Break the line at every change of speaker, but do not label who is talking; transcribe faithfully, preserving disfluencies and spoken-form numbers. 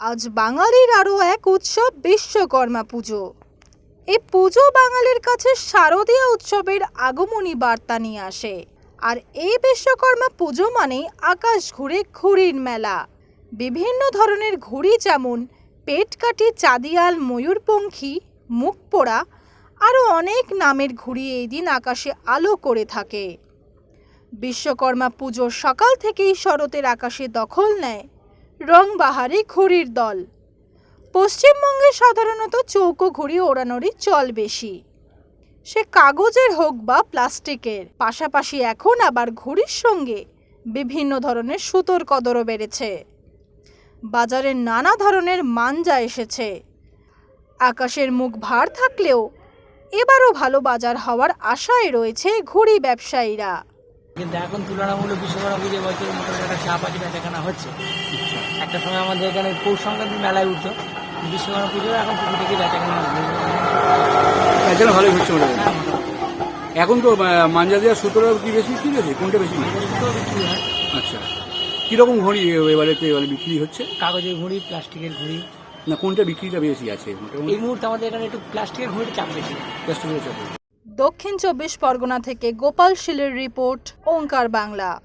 আজ বাঙালির আরও এক উৎসব বিশ্বকর্মা পুজো। এই পুজো বাঙালির কাছে শারদীয় উৎসবের আগমনী বার্তা নিয়ে আসে। আর এই বিশ্বকর্মা পুজো মানে আকাশ ঘুরে ঘুড়ির মেলা। বিভিন্ন ধরনের ঘুড়ি যেমন পেটকাঠি, চাঁদিয়াল, ময়ূরপঙ্খী, মুখপোড়া আরও অনেক নামের ঘুড়ি এই দিন আকাশে আলো করে থাকে। বিশ্বকর্মা পুজোর সকাল থেকেই শরতের আকাশে দখল নেয় রংবাহারি ঘুড়ির দল। পশ্চিমবঙ্গে সাধারণত চৌকো ঘুড়ি ওড়ানোরই চল বেশি, সে কাগজের হোক বা প্লাস্টিকের। পাশাপাশি এখন আবার ঘুড়ির সঙ্গে বিভিন্ন ধরনের সুতোর কদরও বেড়েছে। বাজারে নানা ধরনের মাঞ্জা এসেছে। আকাশের মুখ ভার থাকলেও এবারও ভালো বাজার হওয়ার আশায় রয়েছে ঘুড়ি ব্যবসায়ীরা।
কিন্তু এখন তুলনামূলক বিশ্বকর্মা পুজো বছর মোটামুটি একটা চাপ আছে, বেচাকেনা হচ্ছে। একটা সময় আমাদের এখানে পৌষ সংক্রান্তির মেলায় উঠতো, বিশ্বকর্মা পুজো এখন পুজো থেকে বেচাকেনা
বেচাকেনা ভালোই হচ্ছে মোটামুটি। এখন তো মাঞ্জা দেওয়া সুতোটা কি বেশি বিক্রি হয়েছে, কোনটা বেশি
বিক্রি হয়?
আচ্ছা, কিরকম ঘড়ি এবারে এবারে বিক্রি হচ্ছে?
কাগজের ঘুড়ি, প্লাস্টিকের ঘুড়ি।
না, কোনটা বিক্রিটা বেশি আছে
এই মুহূর্তে আমাদের এখানে একটু প্লাস্টিকের ঘুড়ির চাপ বেশি।
প্লাস্টিকের চাপ।
দক্ষিণ চব্বিশ পরগনা থেকে গোপাল শীলের রিপোর্ট, ওঙ্কার বাংলা।